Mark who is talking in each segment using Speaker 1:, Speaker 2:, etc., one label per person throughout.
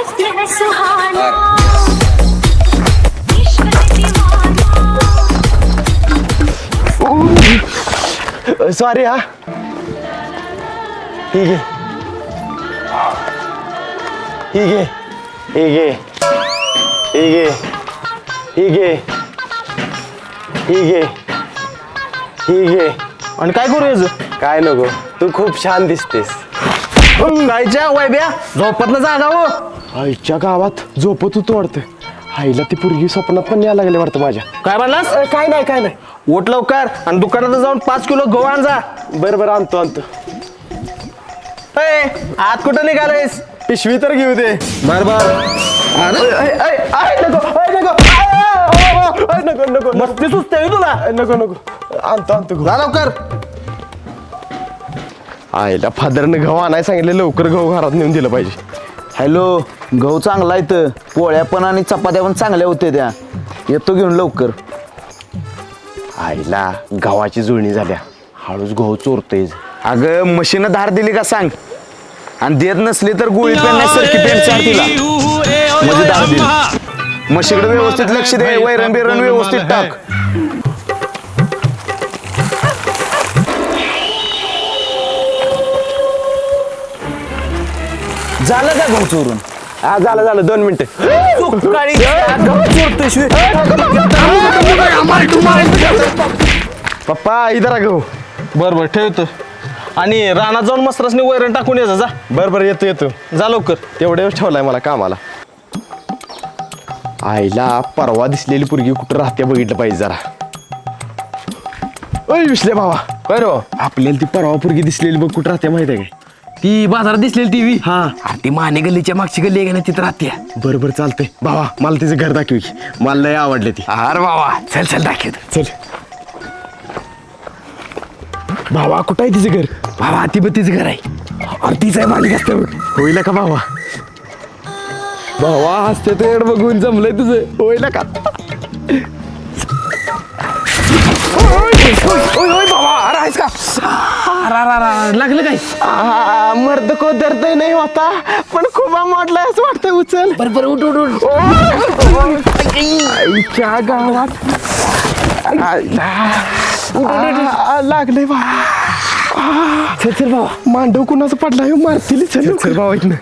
Speaker 1: हंसते हैं सुहाना इश्क है दीवाना।
Speaker 2: सॉरी हा ठीक आहे ठीक आहे ठीक आहे ठीक आहे ठीक आहे ठीक आहे ठीक आहे.
Speaker 3: आणि काय करू याचं
Speaker 2: काय नको तू खूप छान दिसतेस.
Speaker 3: गायच्या वैब्या झोपतनं जागा हो.
Speaker 2: आईच्या गावात झोपत होतो वाटतं. आईला ती पोरगी स्वप्नात पण यायला लागले वाटतं माझ्या.
Speaker 3: काय म्हणलास
Speaker 2: काय नाही काय नाही.
Speaker 3: ओट लवकर आणि दुकानात जाऊन 5 किलो गहू आण जा.
Speaker 2: बरं बरं आणतो आणतो.
Speaker 3: ए, आत कुठं निघालायस?
Speaker 2: पिशवी तर घेऊ दे.
Speaker 3: बर बर.
Speaker 2: नको नको
Speaker 3: मस्ती सुचते तुला.
Speaker 2: नको नको आणतो आणतो.
Speaker 3: जा लवकर.
Speaker 2: आईला फादरनं गहू आणायला सांगितलं लवकर गहू घरात नेऊन दिलं पाहिजे.
Speaker 4: हॅलो गहू चांगला इथं पोळ्या पण आणि चपात्या पण चांगल्या होत्या त्या येतो घेऊन लवकर.
Speaker 2: आईला गव्हाची जुळणी झाल्या हळूच गहू चोरतोय.
Speaker 4: अगं मशीनं धार दिली का सांग आणि देत नसली तर गोळी पेन नाही सरकी पेन चार तिला म्हणजे धार दिली. म्हशीकडे व्यवस्थित लक्ष दे वैरण बिरण व्यवस्थित टाक. झालं का गहू चोरून?
Speaker 2: हा झालं झालं 2 मिनिटं. पप्पा इधर गहू.
Speaker 3: बर बर ठेवतो. आणि रानात जाऊन मस्तरासनी वैरण टाकून यायचं जा.
Speaker 2: बरं बरं येतो येतो.
Speaker 3: जा लवकर.
Speaker 2: तेवढ्या वेळ ठेवलाय मला कामाला. आईला परवा दिसलेली पोरगी कुठं राहते बघितलं पाहिजे जरा. ओय विसले भावा
Speaker 3: काय रो
Speaker 2: आपल्याला ती परवा पोरगी दिसलेली बघ कुठं राहते माहिती आहे काय?
Speaker 3: ती बाजारात दिसलेली टीव्ही.
Speaker 2: हा
Speaker 3: ती माने गल्लीच्या मागची गल्ली आहे का नाही तिथं राहते.
Speaker 2: बरं बरं चालतंय भावा मला तिचं घर दाखवी. मला लय आवडले ती.
Speaker 3: अरे बाबा चल चल दाखव.
Speaker 2: चल भावा कुठं आहे तिचं घर?
Speaker 3: बाबा ती बत्तीचं घर आहे.
Speaker 2: अरे तीच आहे मालिक असतं बघ. होईल का भावा? भावा हसते तर बघून जमलंय तुझं. होईल का?
Speaker 3: बाबा अरे आहेस का? लागलं काय?
Speaker 2: मर्द को दर्द नाही होता पण खूप मोडलाय असं वाटतंय. उचल
Speaker 3: बरोबर उठ उठ उठ.
Speaker 2: आईच्या गावात लागलंय बा.
Speaker 3: चल चल बाबा.
Speaker 2: मांडव कुणाचं पडलाय मारतील. चल चल भावा इथनं.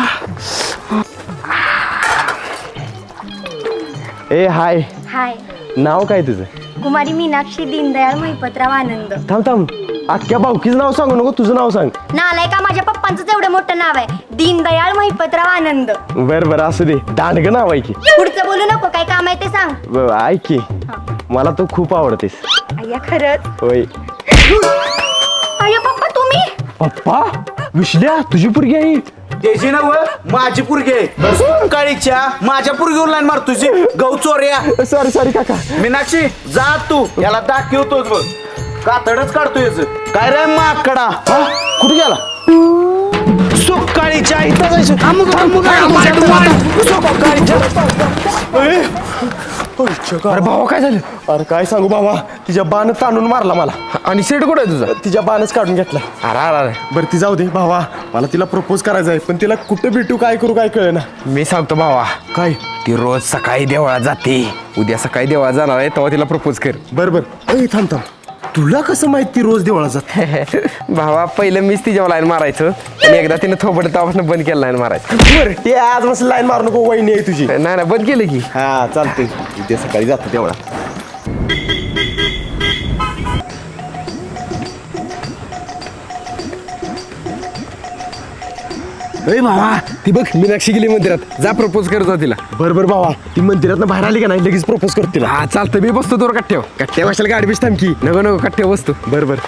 Speaker 2: ए हाय
Speaker 5: हाय
Speaker 2: नाव काय तुझं?
Speaker 5: कुमारी मीनाक्षी दीनदयाळ महिपतराव आनंद.
Speaker 2: थांब थांब अख्ख्या भाऊकीचं नाव सांगू नको तुझं नाव सांग.
Speaker 5: नालाय का माझ्या पप्पांचंच एवढं मोठं नाव आहे दीनदयाळ महिपतराव आनंद.
Speaker 2: बरं बरं असू दे. दांडगं नाव आहे की.
Speaker 5: पुढचं बोलू नको काय काम आहे ते सांग.
Speaker 2: ऐक की मला तू खूप आवडतेस.
Speaker 5: अय्या खरंच.
Speaker 2: होय.
Speaker 5: अय्या पप्पा तुम्ही.
Speaker 2: पप्पा विश्ल्या तुझी पोरगी आहे.
Speaker 4: त्याची ना माझी पुरगी काळीच्या माझ्या पुरगीवर लाईन मार तुझी गहू चोऱ्या.
Speaker 2: सॉरी सॉरी काका.
Speaker 4: मीनाक्षी जा तू याला दाखवतोच बघ कातडच काढतो याच. काय रे माकडा कुठे गेला? सुकाळीच्या इथं जायचं.
Speaker 2: अरे भावा काय झालं? अरे काय सांगू बाबा तिच्या बाण ताणून मारला मला.
Speaker 3: आणि सीट कुठे आहे तुझा?
Speaker 2: तिच्या बाणच काढून घेतला.
Speaker 3: अरे अरे
Speaker 2: बरं ती जाऊ दे भावा. मला तिला प्रपोज करायचं आहे पण तिला कुठे भेटू काय करू काय कळे ना.
Speaker 3: मी सांगतो भावा.
Speaker 2: काय?
Speaker 3: ती रोज सकाळी देवळात जाते. उद्या सकाळी देवळात जाणार आहे तेव्हा तिला प्रपोज कर.
Speaker 2: बरं बरं. थांब थांब तुला कसं माहिती रोज देवळा जात?
Speaker 3: भावा पहिलं मीच तिच्यावर लाईन मारायचं आणि एकदा तिने थोबड तेव्हापासून बंद केलं लाईन मारायचं.
Speaker 2: बरं ते आज मस्त लाईन मारू नको. वहिनी आहे तुझी.
Speaker 3: नाही ना बंद केलं की.
Speaker 2: हा चालते उद्या सकाळी जातो देवळा.
Speaker 3: अरे भावा ती बघ मीनाक्षी गेली मंदिरात. जा प्रपोज करतो तिला.
Speaker 2: बरं बरं भावा ती मंदिरात बाहेर आली का नाही लगेच प्रपोज करते तिला.
Speaker 3: हा चालतं मी बसतो तुला कट्ट्यावर.
Speaker 2: कट्ट्या वाशाला गाडी बीस थांब की.
Speaker 3: नको नको कट्ट्यावर बसतो.
Speaker 2: बरं बरं.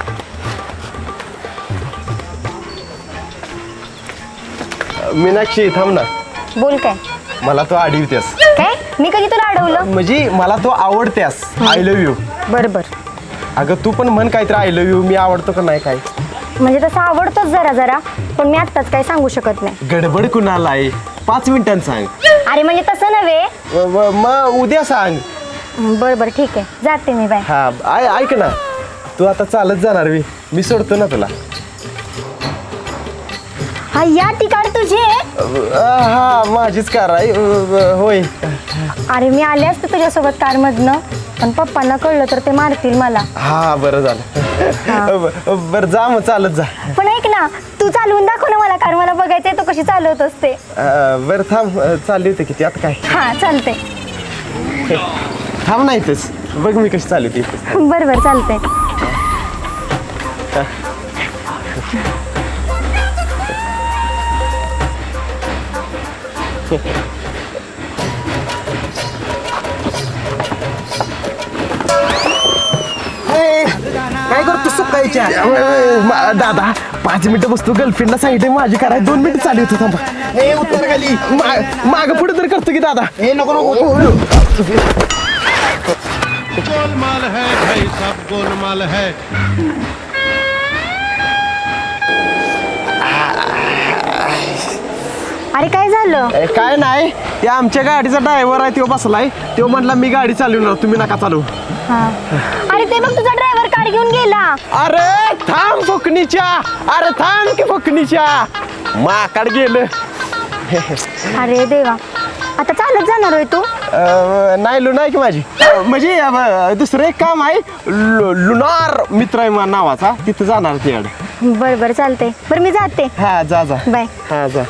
Speaker 2: मीनाक्षी थांब ना.
Speaker 5: बोल काय.
Speaker 2: मला तो आडीवतेस.
Speaker 5: काय मी कधी तुला अडवलं?
Speaker 2: म्हणजे मला तो आवडतेस. I love you.
Speaker 5: बरं बरं.
Speaker 2: अगं तू पण म्हण काहीतरी आय लव्ह यू. मी आवडतो का नाही काय?
Speaker 5: म्हणजे तसं आवडतोच जरा जरा पण मी आत्ताच काही सांगू शकत नाही.
Speaker 2: गडबड कुणाला आहे? 5 मिनिटांनी सांग.
Speaker 5: अरे म्हणजे तसं नव्हे.
Speaker 2: मग उद्या सांग.
Speaker 5: बरं बरं ठीक आहे जाते मी. बाय.
Speaker 2: हा ऐक ना तू आता चालत जाणार मी सोडतो ना तुला.
Speaker 5: हा या ती कार तुझी आहे?
Speaker 2: हा माझीच कार आहे होय.
Speaker 5: अरे मी आले असते तुझ्यासोबत कार मधनं, पण पप्पांना कळलं तर ते मारतील मला.
Speaker 2: हा बरं झालं. बरं जा मग चालत जा.
Speaker 5: पण ऐक ना, तू चालवून दाखव ना मला कार, मला बघायचंय तू कशी चालवत असते.
Speaker 2: बरं थांब चालली होती किती आता काय.
Speaker 5: हा चालते.
Speaker 2: थांब नाही तेच बघ मी कशी चालली होती.
Speaker 5: बरं बरं चालते.
Speaker 2: काय करतो सकाळीच्या दादा 5 मिनिटं बसतो. गर्लफ्रेंडला सांगितलं माझी कार आहे. 2 मिनिटं चालू होतं थांबा. हे उत्तर खाली माग पुढे तर करतो की दादा. हे नको नको.
Speaker 6: गोलमाल है भाई सब गोलमाल है.
Speaker 5: अरे काय झालं?
Speaker 2: काय नाही ते आमच्या गाडीचा ड्रायव्हर आहे तो बसलाय. तो म्हटला मी गाडी चालवणार तुम्ही नका चालू.
Speaker 5: हा. अरे ते बघ तुझा ड्रायव्हर कार घेऊन गेला.
Speaker 2: अरे थांब फुकणीच्या. अरे थांब की फुकणीच्या. माकड गेलं.
Speaker 5: अरे देवा, आता चालत जाणार होय तू?
Speaker 2: नाही लुना आहे की माझी. म्हणजे दुसरं एक काम आहे. लुनार मित्र आहे माझ्या नावाचा. तिथं जाणार तिकडे.
Speaker 5: बरं बरं चालते. बरं मी जाते.
Speaker 2: हा जा जा.
Speaker 5: बाय.
Speaker 2: हा जा.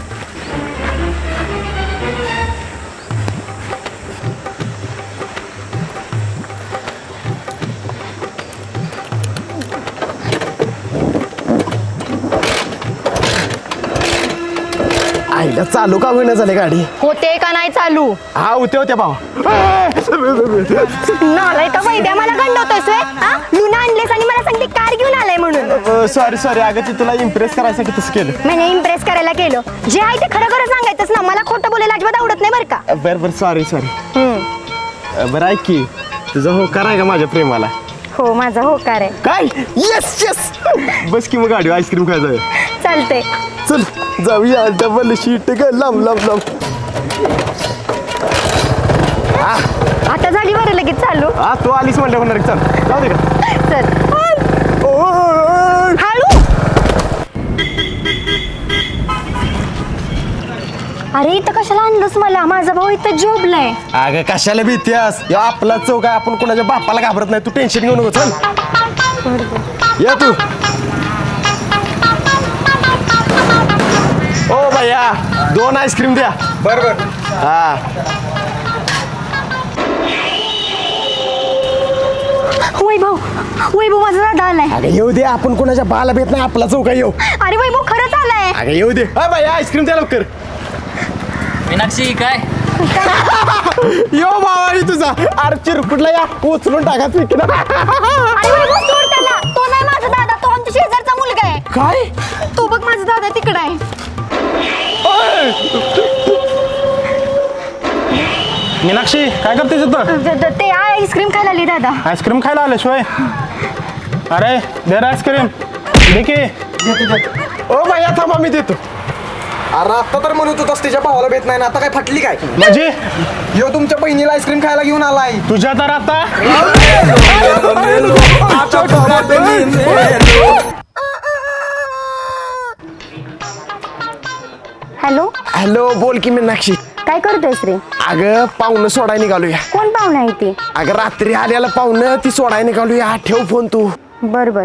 Speaker 2: आईला चालू का होईना झाली गाडी.
Speaker 5: होते का नाही चालू?
Speaker 2: हा होते भाऊ.
Speaker 5: नालाय तर वैद्या मला गंडवतोस व्हय? हा? लुना आणलेस आणि मला सांगते कार घेऊन आलाय म्हणून.
Speaker 2: सॉरी अगं ती तुला इम्प्रेस करायसाठी तसं केलं.
Speaker 5: म्हणजे इम्प्रेस करायला केलं. जे आहे ते खरं खरं सांगायचंच ना. मला खोटं बोलायला अजिबात आवडत नाही बरं का.
Speaker 2: बरं सॉरी. बरं ऐक की तुझा होकार आहे का माझ्या प्रेमाला?
Speaker 5: हो माझा होकार आहे.
Speaker 2: काय? येस बस की मग गाडी आईस्क्रीम खायला जाऊया.
Speaker 5: चालते.
Speaker 2: चल जाऊया. डबल शीट ग लांब.
Speaker 5: आता झाली बरं लगेच चालू.
Speaker 2: हा तू आलीस म्हणलं होणार. चल जाऊ दे का.
Speaker 5: चल हळू. अरे इथं कशाला आणलंस मला? माझा भाऊ इथं झोपलाय.
Speaker 2: अगं कशाला भीतीस? या आपला चौक आहे. आपण कोणाच्या बापाला घाबरत नाही. तू टेन्शन घेऊ नको. चल या तू. ओ भैया 2 आईस्क्रीम द्या. बरोबर. हा
Speaker 5: वैभव माझा दादा आलाय.
Speaker 2: अगं येऊ दे. आपण कोणाच्या बाला भेट नाही. आपला चौक आहे. येऊ.
Speaker 5: अरे वैभव खरंच आलाय.
Speaker 2: अगं येऊ दे. हा भैया आईस्क्रीम द्या लवकर.
Speaker 7: मीनाक्षी काय
Speaker 2: यो भावानी तुझा. अरे चिरकुटला या उचलून टाका.
Speaker 5: अरे वैभव सोड त्याला. तो नाही माझा दादा, तो आमच्या शेजारचा मुलगा आहे.
Speaker 2: काय?
Speaker 5: तो बघ माझा दादा तिकडे आहे.
Speaker 6: मीनाक्षी काय करते तिथं?
Speaker 5: ते आईस्क्रीम खायला आली दादा.
Speaker 6: आईस्क्रीम खायला आले शिवाय. अरे दे रे आईस्क्रीम. दे की.
Speaker 2: ओ भैया थांबा मी देतो. अरे आता तर म्हणत होतास तिच्या भावाला भेट नाही ना. आता काय फाटली काय?
Speaker 6: म्हणजे
Speaker 2: यो तुमच्या बहिणीला आईस्क्रीम खायला घेऊन आलाय.
Speaker 6: तुझ्या तर आता
Speaker 5: हॅलो
Speaker 2: बोल की मीनाक्षी.
Speaker 5: काय करतोयस रे?
Speaker 2: अगं पाहुणं सोडायला निघालूया.
Speaker 5: कोण पाहुणा आहे ती?
Speaker 2: अगं रात्री आल्याला पाहुणं ती सोडायला निघालूया. ठेव फोन तू.
Speaker 5: बर.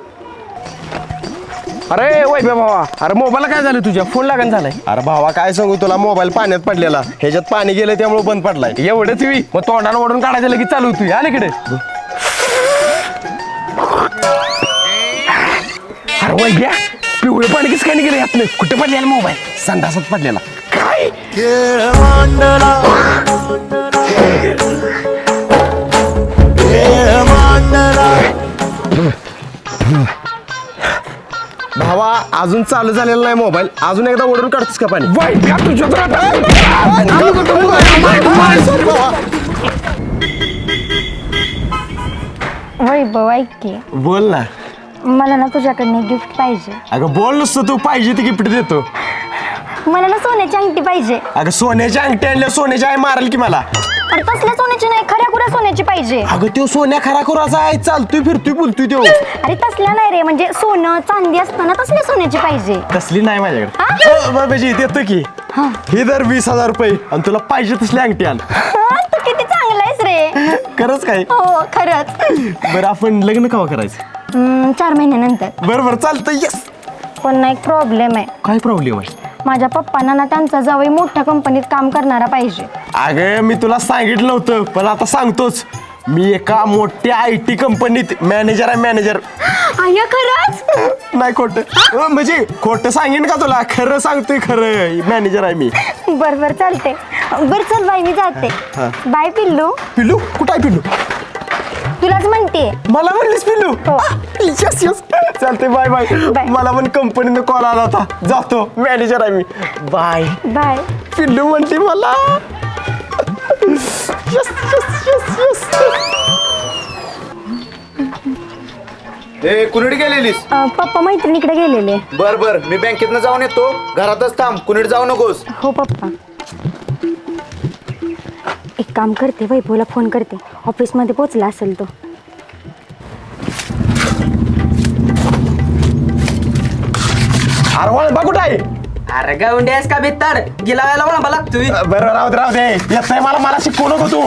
Speaker 3: अरे वैभव भावा, अरे मोबाईलला काय झालं तुझ्या? फोन लागण झालाय.
Speaker 2: अरे भावा काय सांगू तुला. मोबाईल पाण्यात पडलेला. ह्याच्यात पाणी गेलं त्यामुळे बंद पडलाय.
Speaker 3: एवढंच मी मग तोंडाला ओढून काढायचं लगेच चालू होती. आले इकडे. अरे वैभ्या पिवळं पाणी कसं काय निघालं यातलं? कुठे पडलेला मोबाईल?
Speaker 2: संडासात पडलेला.
Speaker 3: काय?
Speaker 2: भावा अजून चालू झालेला नाही मोबाईल. अजून एकदा ओढून काढतोस का पाणी?
Speaker 3: वैभ्या तुझ्या तर
Speaker 5: वैभव ऐक की,
Speaker 2: बोल ना.
Speaker 5: मला ना तुझ्याकडनं गिफ्ट पाहिजे.
Speaker 2: अगं बोल नुसतं. तू पाहिजे ती गिफ्ट देतो.
Speaker 5: मला ना सोन्याची अंगठी पाहिजे.
Speaker 2: अगं सोन्याची अंगठी आणल्या सोन्याची आई मारेल की मला.
Speaker 5: अरे तसल्या सोन्याची नाही, खऱ्या खुऱ्या सोन्याची पाहिजे.
Speaker 2: अगं तो सोन्या खरा खुराचा आहे, चालतोय फिरतोय बोलतोय तो.
Speaker 5: अरे तसल्या नाही रे, म्हणजे सोनं चांदी असतं ना, तसल्या सोन्याची पाहिजे.
Speaker 2: तसली नाही माझ्याकडे. बाबाजी देतो की ही दर 20,000 रुपये आणि तुला पाहिजे तसली अंगठी आण.
Speaker 5: तू किती चांगला आहेस रे.
Speaker 2: खरंच काय?
Speaker 5: हो खरंच.
Speaker 2: बरं आपण लग्न केव्हा करायचं?
Speaker 5: 4 महिन्यानंतर.
Speaker 2: बरं चालतंय. यस.
Speaker 5: पण ना एक प्रॉब्लेम आहे.
Speaker 2: काय प्रॉब्लेम आहे?
Speaker 5: माझ्या पप्पांना ना त्यांचा जावई मोठ्या कंपनीत काम करणारा पाहिजे.
Speaker 2: अगं मी तुला सांगितलं होतं पण आता सांगतोच. मी एका मोठ्या IT कंपनीत मॅनेजर आहे, मॅनेजर.
Speaker 5: आया खरंच?
Speaker 2: नाही खोटं म्हणजे खोटं सांगेन का तुला? खरं सांगतोय, खरं मॅनेजर आहे मी.
Speaker 5: बर चालते. बर चल बाई मी जाते. बाय पिल्लू.
Speaker 2: पिल्लू कुठं आहे? पिल्लू
Speaker 5: तुलाच म्हणते.
Speaker 2: मला म्हणलीस पिल्लू?
Speaker 5: हो.
Speaker 2: यस यस चालते. Bye bye.
Speaker 5: बाय.
Speaker 2: मला पण कंपनीनं कॉल आला होता, जातो, मॅनेजर आहे मी. बाय.
Speaker 5: बाय.
Speaker 2: पिल्लू म्हणते मला. Yes yes yes yes.
Speaker 4: ए कुणीकडे गेलेलीस?
Speaker 5: पप्पा मैत्रिणीकडे गेलेले.
Speaker 4: बर बर मी बँकेतनं जाऊन येतो, घरातच थांब, कुणीकडे जाऊ नकोस.
Speaker 5: हो पप्पा. एक काम करते, वैभवला फोन करते, ऑफिसमध्ये पोचला असेल तो.
Speaker 2: अरे वळबा कुठं आहे?
Speaker 7: अरे गावंड्यास का बेताड गेला वेळेला वळंबा लागतोय.
Speaker 2: बरं राहू दे येत नाही मला शिकवू नको तू.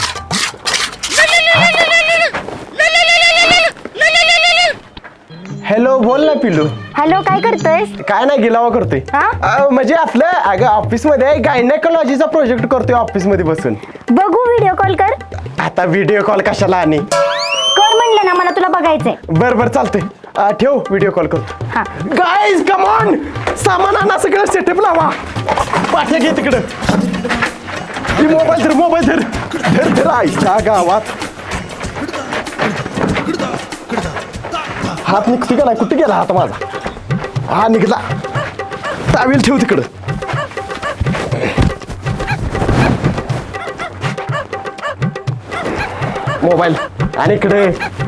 Speaker 2: हॅलो बोल ना पिल्लू.
Speaker 5: हॅलो काय करतोयस?
Speaker 2: काय नाही गिलावा करतोय. म्हणजे आपलं अगं ऑफिस मध्ये गायनेकोलॉजीचा प्रोजेक्ट करतोय ऑफिस मध्ये बसून.
Speaker 5: बघू व्हिडिओ कॉल कर.
Speaker 2: आता व्हिडिओ कॉल कशाला? आणि
Speaker 5: कर म्हणलं ना, मला तुला बघायचंय.
Speaker 2: बरं चालतंय. ठेव व्हिडिओ कॉल करतो.
Speaker 5: हा.
Speaker 2: गाईज कम ऑन, सामान आणा, सगळं सेटअप लावा. पाठ्या घे तिकडं. मोबाईल धर आईच्या गावात. हात निघतो का नाही? कुठे गेला हात माझा? हा निघला. टावेल ठेव तिकडं. मोबाईल आणि इकडे.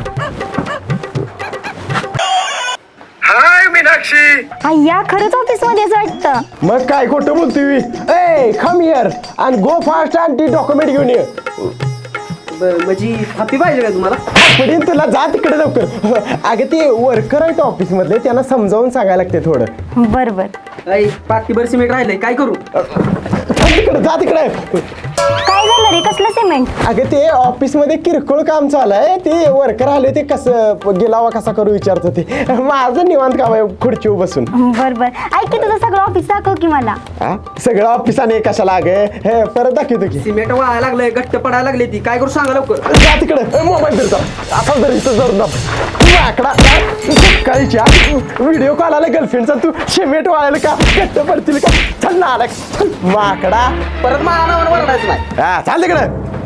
Speaker 2: हाय मीनाक्षी.
Speaker 5: अय्या खरंच ऑफिस मध्येच वाटतं.
Speaker 2: मग काय खोटं बोलतोय? ए come here and go fast and ती डॉक्युमेंट घेऊन ये.
Speaker 7: म्हणजे हॅपी पाहिजे का तुम्हाला?
Speaker 2: पडीन तुला, जा तिकडे लवकर. अगं ते वर्कर आहेत ऑफिस मधले, त्यांना समजावून सांगायला लागते थोडं.
Speaker 5: बर
Speaker 7: पाकीभर सिमेंट राहिलंय, काय करू?
Speaker 2: तिकडे जा तिकडे.
Speaker 5: काय झालं रे, कसलं सिमेंट?
Speaker 2: अगं ते ऑफिस मध्ये किरकोळ काम चालू आहे, ते वर्कर आले, ते कसं गिलावा कसा करू विचारत होते. माझं निवांत काम आहे खुर्चीवर बसून.
Speaker 5: बर ऐक की, तुझं सगळं ऑफिस दाखव की मला.
Speaker 2: सगळं ऑफिसाने कशाला? हे परत दाखवतो की.
Speaker 7: सिमेंट वाळायला लागलंय, घट्ट पडायला लागले ती, काय करू सांगा लवकर.
Speaker 2: जा तिकडे. मोबाईल फिरता असा जर इथं जरूर आकडा सकाळीच्या व्हिडिओ कॉल आला गर्लफ्रेंडचा, तू सिमेंट वाळायला का? घट्ट पडतील का? चल ना आला माकडा.
Speaker 7: परत मला नावानं वरडायचं नाही.
Speaker 2: हा चाल तिकडे.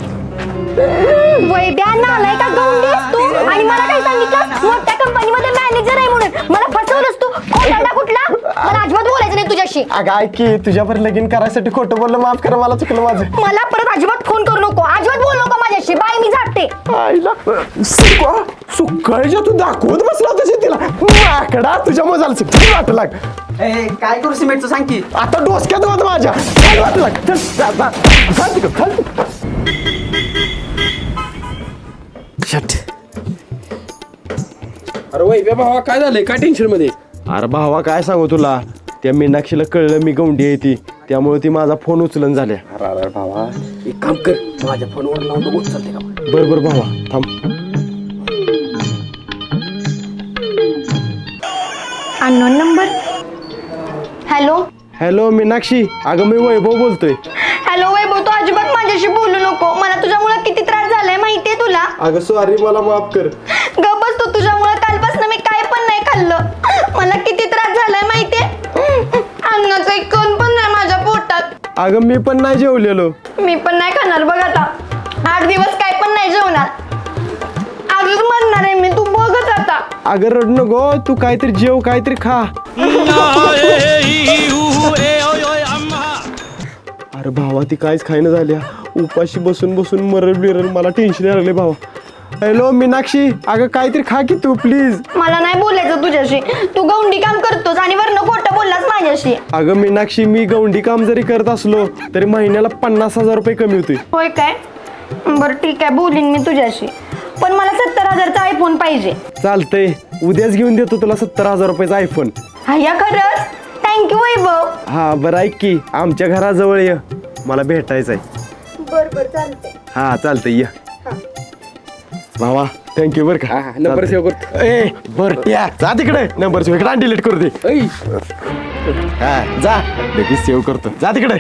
Speaker 5: वैद्या नालाय का गौंडीस तू? आणि मला काय सांगितलं? मोठ्या कंपनीमध्ये मॅनेजर आहे म्हणून. मला फसवलंस तू. खोटारडा कुठला? मला अजिबात बोलायचं नाही तुझ्याशी.
Speaker 2: अगं ऐक की, तुझ्यावर लगीन करायसाठी खोटं बोललं, माफ कर, मला चुकलं माझं.
Speaker 5: मला परत अजिबात फोन करू नको, अजिबात बोलू नको माझ्याशी. बाय मी जाते.
Speaker 2: आईला सुकाळीच्या तू दाखवत बसला तशी तिला. माकडा तुझ्या मजाला चुकली वाट लाग.
Speaker 7: काय करू सिमेंटचं सांग की.
Speaker 2: आता डोसक्यात वाट माझ्या. चल वाट लाग. चल चाल तिकडं, चाल.
Speaker 3: अरे वैभ्या भावा काय झालंय? काय टेन्शन मध्ये?
Speaker 2: अरे भावा काय सांगू तुला, त्या मीनाक्षीला कळलं मी गौंडी आहे ती, त्यामुळे ती माझा फोन उचलन झाल्या.
Speaker 3: अरे भावा एक काम कर, माझ्या फोनवर लावून बघू चालते का?
Speaker 2: बरोबर भावा थांब.
Speaker 5: Unknown number. Hello
Speaker 2: hello Meenakshi, अगं मी वैभव बोलतोय.
Speaker 5: हॅलो वैभव, तू अजिबात माझ्याशी बोलू नको. मला तुझ्यामुळे किती त्रास झालाय माहितीये तुला.
Speaker 2: अगं सॉरी, मला माफ कर.
Speaker 5: गप्पच तू. तुझ्यामुळे कालपासून मी काय पण नाही खाल्लं. मला किती त्रास झालाय माहितीये. अन्नाचा एक कण पण नाही माझ्या पोटात.
Speaker 2: अगं मी पण नाही जेवलेलो.
Speaker 5: मी पण नाही खाणार बघ आता. 8 दिवस काय पण नाही जेवणार. आजच म्हणणार आहे मी, तू बघच आता.
Speaker 2: अगं रड नको, तू काहीतरी जेव, काहीतरी खा. अरे भावा ती काहीच खायनं झाल्या, उपाशी बसून बसून मरल बिरल, मला टेन्शन यायला लागले भावा. हॅलो मीनाक्षी, अगं काहीतरी खा की तू प्लीज.
Speaker 5: मला नाही बोलायचं तुझ्याशी. तू गौंडी काम करतोस आणि वरनं खोटं बोललास माझ्याशी.
Speaker 2: अगं मीनाक्षी, मी गवंडी काम जरी करत असलो तरी महिन्याला 50,000 रुपये कमी होते.
Speaker 5: होय काय? बरं ठीक आहे, बोलीन मी तुझ्याशी. पण मला 70,000चा आयफोन पाहिजे.
Speaker 2: चालतंय, उद्याच घेऊन देतो तुला 70,000 रुपयाचा आयफोन.
Speaker 5: या खरंच? थँक्यू वैभव.
Speaker 2: हा बरं, ऐक की आमच्या घराजवळ ये, मला भेटायचं आहे.
Speaker 5: बरोबर चालते.
Speaker 2: हा चालतंय, ये भावा. थँक्यू बरं का.
Speaker 3: नंबर सेव्ह करतो.
Speaker 2: ए बरट्या, जा तिकडे. नंबर सेव्ह इकडे डिलीट करू दे. हा जा, लगेच सेव्ह करतो. जा तिकडे.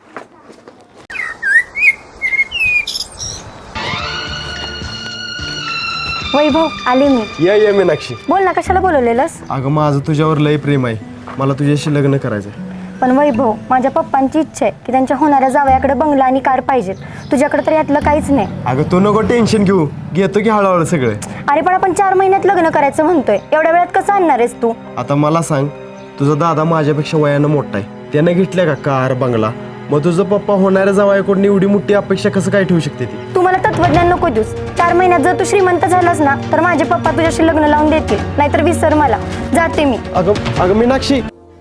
Speaker 5: वैभव आले मी.
Speaker 2: ये मीनाक्षी.
Speaker 5: बोल ना, कशाला बोलवलेलंस?
Speaker 2: अगं माझं तुझ्यावर लय प्रेम आहे, मला तुझ्याशी लग्न करायचंय.
Speaker 5: पण वैभव, माझ्या पप्पांची इच्छा आहे की त्यांच्या होणाऱ्या जावयाकडे बंगला आणि कार पाहिजेत. तुझ्याकडे तर यातलं काहीच नाही.
Speaker 2: अगं तू नको टेन्शन घेऊ, घेतो की हळूहळू सगळे.
Speaker 5: अरे पण आपण 4 महिन्यात लग्न करायचं म्हणतोय, एवढ्या वेळात कसं आणणार आहेस तू?
Speaker 2: आता मला सांग, तुझा दादा माझ्यापेक्षा वयानं मोठा आहे, त्यानं घेतल्या का कार बंगला? मग तुझं पप्पा होणाऱ्या जावयाकडून एवढी मोठी अपेक्षा कसं काय ठेवू शकते ती?
Speaker 5: तू मला तत्वज्ञान नको देऊस. 4 महिन्यात जर तू श्रीमंत झालास ना तर माझे पप्पा तुझ्याशी लग्न लावून देतील, नाहीतर विसर मला. जाते मी.
Speaker 2: अगं मीनाक्षी.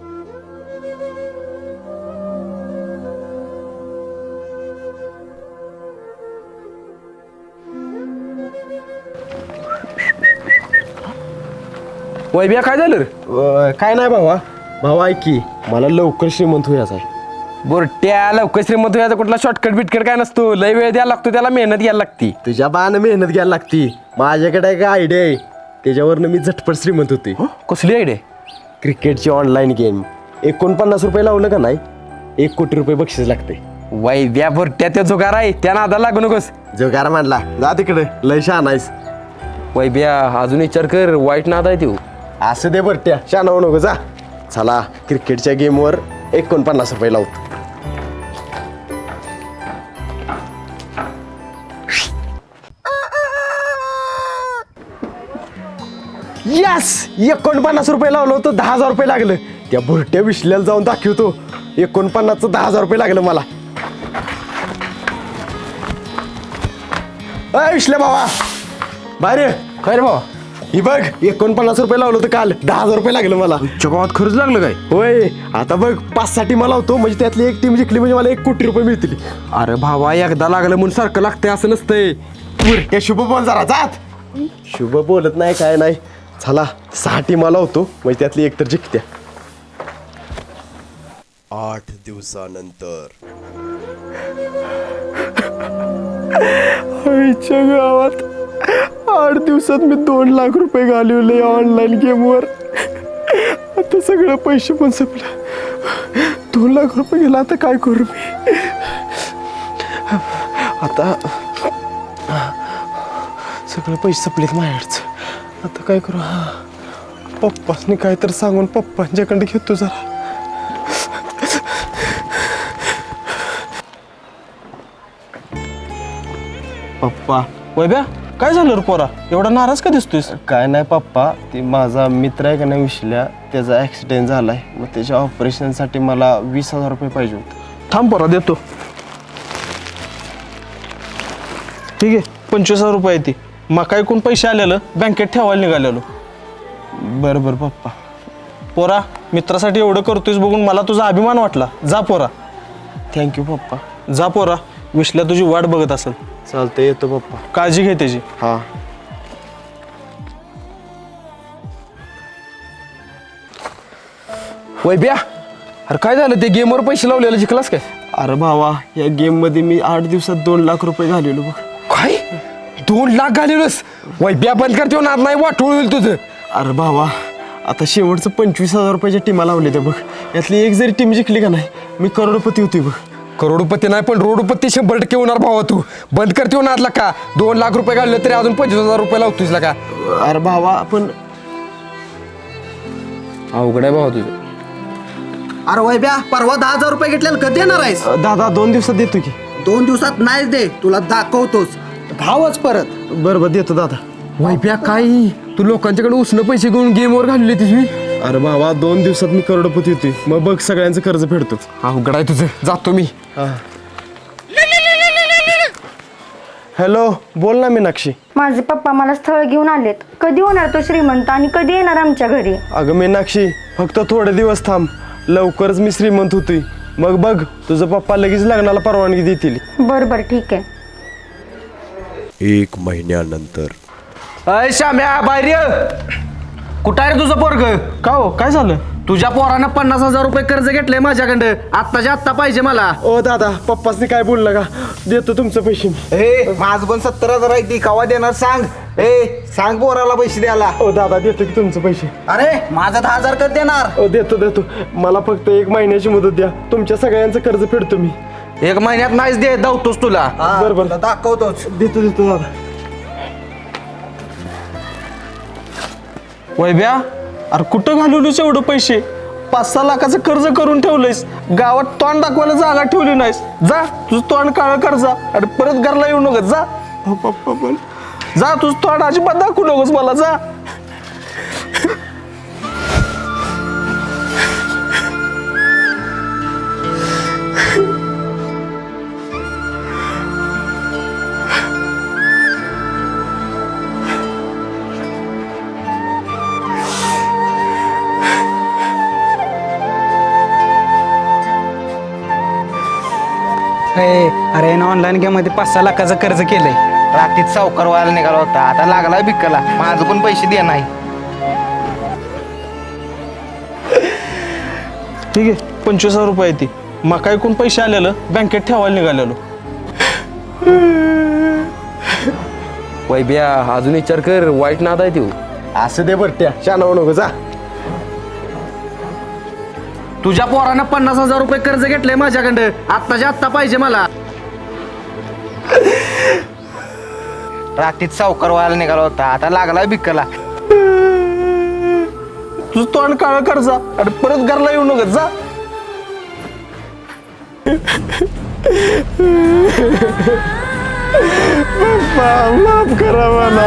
Speaker 3: वैभ्या काय झालं रे?
Speaker 2: काय नाही भावा ऐक की, मला लवकर श्रीमंत व्हायचं आहे.
Speaker 3: बोरट्या, लवकर श्रीमंत व्हायचा कुठला शॉर्टकट बिटकट काय नसतो. लय वेळ द्यायला लागतो, त्याला मेहनत घ्यायला लागती.
Speaker 2: तुझ्या बानं मेहनत घ्यायला लागती. माझ्याकडे एक आयडिया आहे, त्याच्यावरनं मी झटपट श्रीमंत होते.
Speaker 3: कसली आयडिया?
Speaker 2: क्रिकेटची ऑनलाईन गेम. 49 रुपये लावलं का नाही, 1 कोटी रुपये बक्षीस लागते.
Speaker 3: वैभ्या बोरट्या, त्या जुगार आहे, त्या नादाला लागू नकोस.
Speaker 2: जोगार मांडला, जा तिकडे, लय शहाणा आहेस.
Speaker 3: वैभ्या अजून विचार कर, वाईट नाद आहे तो.
Speaker 2: असं दे बरट्या, शहाणा होऊ नको. जा चला, क्रिकेटच्या गेमवर 49 रुपये लावतो. यस, 49 रुपये लावलं होतं, 10,000 रुपये लागलं. त्या भुरट्या विश्ल्याला जाऊन दाखवतो, 49चं 10,000 रुपये लागलं मला. विश्ल्या भावा बाहेर.
Speaker 3: काय रे भावा?
Speaker 2: ही बघ, 49 रुपये लावलं होतं काल, 10,000 रुपये लागलं मला.
Speaker 3: गावात खर्च लागलं काय?
Speaker 2: होय, आता बघ 5-6 टीमा लावतो, म्हणजे त्यातली एक टीम जिंकली म्हणजे मला 1 कोटी रुपये मिळतील.
Speaker 3: अरे भावा, एकदा लागलं म्हणून सारखं लागतंय असं नसतंय.
Speaker 2: त्या शुभ बोल जरा, जात. शुभ बोलत नाही काय नाही. चला 6 टीमा लावतो, म्हणजे त्यातली एक तर जिंकत्या.
Speaker 8: 8 दिवसानंतर
Speaker 2: आईच्या गावात 8 दिवसात मी 2 लाख रुपये घालवले ऑनलाईन गेमवर. आता सगळे पैसे पण संपले. 2 लाख रुपये गेला, आता काय करू मी? आता सगळे पैसे संपलेत माझ्याकडचं. आता काय करू? पप्पासनी काय तर सांगून पप्पांच्याकडे घेतो जरा. पप्पा.
Speaker 6: वैभ्या, काय झालं रे पोरा? एवढा नाराज का दिसतोयस?
Speaker 2: काय नाही पप्पा, ते माझा मित्र आहे का नाही विश्ल्या, त्याचा ॲक्सिडेंट झालाय. मग त्याच्या ऑपरेशनसाठी मला 20,000 रुपये पाहिजे होते.
Speaker 6: थांब पोरा, देतो. ठीक आहे, 25,000 रुपये ती मका एकूण पैसे आलेलं बँकेत ठेवायला निघालेलो.
Speaker 2: बरं बरं पप्पा.
Speaker 6: पोरा, मित्रासाठी एवढं करतोयस बघून मला तुझा अभिमान वाटला. जा पोरा.
Speaker 2: थँक्यू पप्पा.
Speaker 6: जा पोरा, विश्ल्या तुझी वाट बघत असेल.
Speaker 2: चालतंय, येतो पप्पा.
Speaker 6: काळजी घे त्याची.
Speaker 2: हां.
Speaker 3: वैभ्या, अरे काय झालं? ते गेमवर पैसे लावलेलं जिंकलास काय?
Speaker 2: अरे भावा, या गेममध्ये मी 8 दिवसात 2 लाख रुपये घालवलो बघ.
Speaker 3: काय? 2 लाख घालवलंस? वैभ्या, बंद कर, नाद नाही, वाटोळ होईल तुझं.
Speaker 2: अरे भावा, आता शेवटचं 25,000 रुपयाच्या टीमा लावल्या त्या बघ. यातली एक जरी टीम जिंकली का नाही, मी करोडपती होती बघ.
Speaker 3: करोडपती नाही पण रोडपती 100% होणार भावा. तू बंद करते नादला का? 2 लाख रुपये घालले तरी अजून 25,000 रुपये लावतोस का?
Speaker 2: अरे भावा, पण
Speaker 3: अवघड आहे भावा तुझं.
Speaker 7: अरे वैभ्या, परवा 10,000 रुपये घेतलेलं कधी देणार आहेस?
Speaker 2: दादा 2 दिवसात देतो की.
Speaker 7: 2 दिवसात नाही दे, तुला दाखवतोच. भावच परत.
Speaker 2: बरं बरं, देतो दादा.
Speaker 3: वैभ्या, काय तू लोकांच्याकडे उसनं पैसे घेऊन गेमवर घालले तुझी?
Speaker 2: अरे भावा, 2 दिवसात मी करोडपती होती. मग बघ, सगळ्यांचं कर्ज फेडतो.
Speaker 3: अवघड आहे तुझं, जातो मी.
Speaker 2: हॅलो बोल ना मीनाक्षी.
Speaker 5: माझे पप्पा मला स्थळ घेऊन आलेत. कधी होणार तो श्रीमंत आणि कधी येणार आमच्या घरी?
Speaker 2: अगं मीनाक्षी फक्त थोडे दिवस थांब, लवकरच मी श्रीमंत होतोय. मग बघ तुझं पप्पा लगेच लग्नाला परवानगी देतील.
Speaker 5: बरं बरं ठीक आहे.
Speaker 8: 1 महिन्यानंतर.
Speaker 7: अय श्याम्या बाहेर ये. कुठं आहे रे तुझं पोरग?
Speaker 6: का हो काय झालं?
Speaker 7: तुझ्या पोरानं 50,000 रुपये कर्ज घेतलंय माझ्याकडं. आत्ताच्या आत्ता पाहिजे मला.
Speaker 2: ओ दादा पप्पासनी काय बोललं का? देतो तुमचं पैसे.
Speaker 9: माझं पण 70,000 आहे ती कवा देणार सांग. सांग पोराला पैसे द्यायला.
Speaker 2: ओ दादा देतो की तुमचं पैसे.
Speaker 9: अरे माझा 10,000 कधी देणार?
Speaker 2: ओ देतो मला फक्त 1 महिन्याची मुदत द्या, तुमच्या सगळ्यांचं कर्ज फेडतो मी.
Speaker 7: 1 महिन्यात नाहीच दे धावतोस तुला.
Speaker 2: बरोबर
Speaker 9: दाखवतोच.
Speaker 2: देतो दादा.
Speaker 6: वैभ्या अरे कुठं घालवलीस एवढं पैसे? 5-6 लाखाचं कर्ज करून ठेवलंयस, गावात तोंड दाखवायला जागा ठेवली नाहीस. जा तुझं तोंड काळं कर जा आणि परत घरला येऊ नकोस. जा
Speaker 2: पप्पा पण
Speaker 6: जा तुझं तोंड अजिबात दाखवू नकोस मला. जा
Speaker 7: अरे ना ऑनलाईन गेम मध्ये 5-6 लाखाचं कर्ज केलंय.
Speaker 9: रात्रीत सावकार व्हायला निघाला होता, आता लागलाय भिक्कला. माझं पण पैसे दे नाही.
Speaker 6: ठीक आहे 25,000 रुपये ती मका ऐकून पैसे आलेलं बँकेत ठेवायला निघालेलो.
Speaker 3: वैभ्या अजून विचार कर, वाईट नाद आहे तू.
Speaker 2: असं दे बरट्या, शाना नको. जा
Speaker 7: तुझ्या पोरानं 50,000 रुपये कर्ज घेतलंय माझ्याकडं. आत्ताच्या आत्ता पाहिजे मला.
Speaker 9: रात्रीत सावकार व्हायला निघाला होता, आता लागलाय भिक्कला.
Speaker 6: तुझं तोंड काळं कर जा आणि परत घरला येऊ नकोस. जा
Speaker 2: माफ करा मला.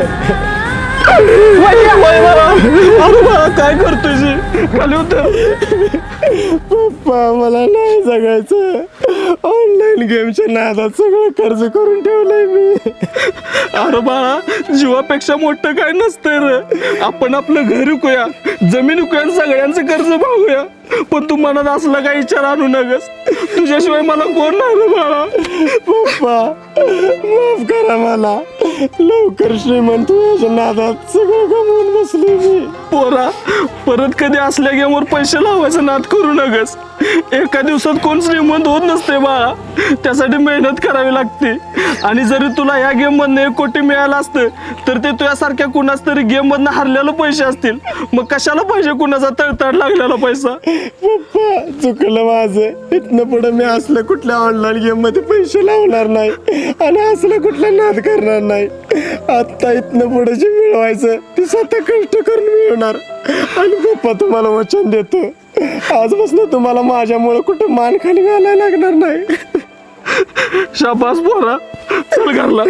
Speaker 6: अरे बाळा काय करतोय? खाली उतर.
Speaker 2: पप्पा मला नाही जगायचं. ऑनलाईन गेमच्या नादात सगळं कर्ज करून ठेवलंय मी.
Speaker 6: अरे बाळा जीवापेक्षा मोठं काय नसतंय रे. आपण आपलं घर विकूया, जमीन विकूया आणि सगळ्यांचं कर्ज भागूया. पण तू मनात असला काही विचार आणू नकस. तुझ्याशिवाय मला कोण नाही रे बाळा.
Speaker 2: पप्पा माफ करा मला. लवकर श्रीमंत व्हायच्या नादात सगळं गमावून बसले मी.
Speaker 6: पोरा परत कधी असल्या गेमवर पैसे लावायचा नाद करू नकस. एका दिवसात कोण श्रीमंत होत नसते बाळा, त्यासाठी मेहनत करावी लागते. आणि जरी तुला या गेम मधनं 1 कोटी मिळालं असतं तर ते तुझ्यासारख्या कुणाच तरी गेम मधनं हरलेलं पैसे असतील. मग कशाला पाहिजे कुणाचा तळतळ लागलेला पैसा?
Speaker 2: पप्पा चुकलं माझं. इथनं पुढे मी असलं कुठल्या ऑनलाईन गेम मध्ये पैसे लावणार नाही आणि असलं कुठला नाद करणार नाही. आता इथनं पुढे जे मिळवायचं ते स्वतः कष्ट करून मिळवणार. आणि पप्पा तुम्हाला वचन देतो, आजपासून तुम्हाला माझ्यामुळे कुठे मान खाली घालायला लागणार नाही.
Speaker 6: शाबास पोरा, चल घरला.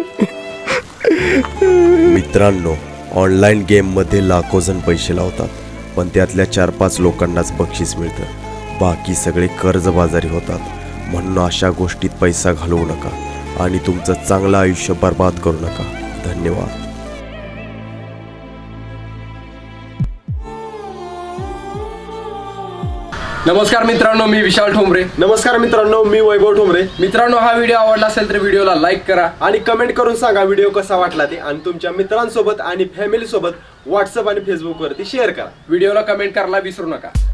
Speaker 8: मित्रांनो, ऑनलाईन गेममध्ये लाखो जण पैसे लावतात, पण त्यातल्या 4-5 लोकांनाच बक्षीस मिळतं. बाकी सगळे कर्जबाजारी होतात. म्हणून अशा गोष्टीत पैसा घालवू नका आणि तुमचं चांगलं आयुष्य बर्बाद करू नका. धन्यवाद.
Speaker 3: नमस्कार मित्रांनो, मी विशाल ठोंबरे.
Speaker 2: नमस्कार मित्रांनो, मी वैभव ठोंबरे.
Speaker 3: मित्रांनो, हा व्हिडिओ आवडला असेल तर व्हिडिओला लाईक करा
Speaker 2: आणि कमेंट करून सांगा व्हिडिओ कसा वाटला ते. आणि तुमच्या मित्रांसोबत आणि फॅमिली सोबत व्हॉट्सअप आणि फेसबुक वरती शेअर करा.
Speaker 3: व्हिडिओला कमेंट करायला विसरू नका.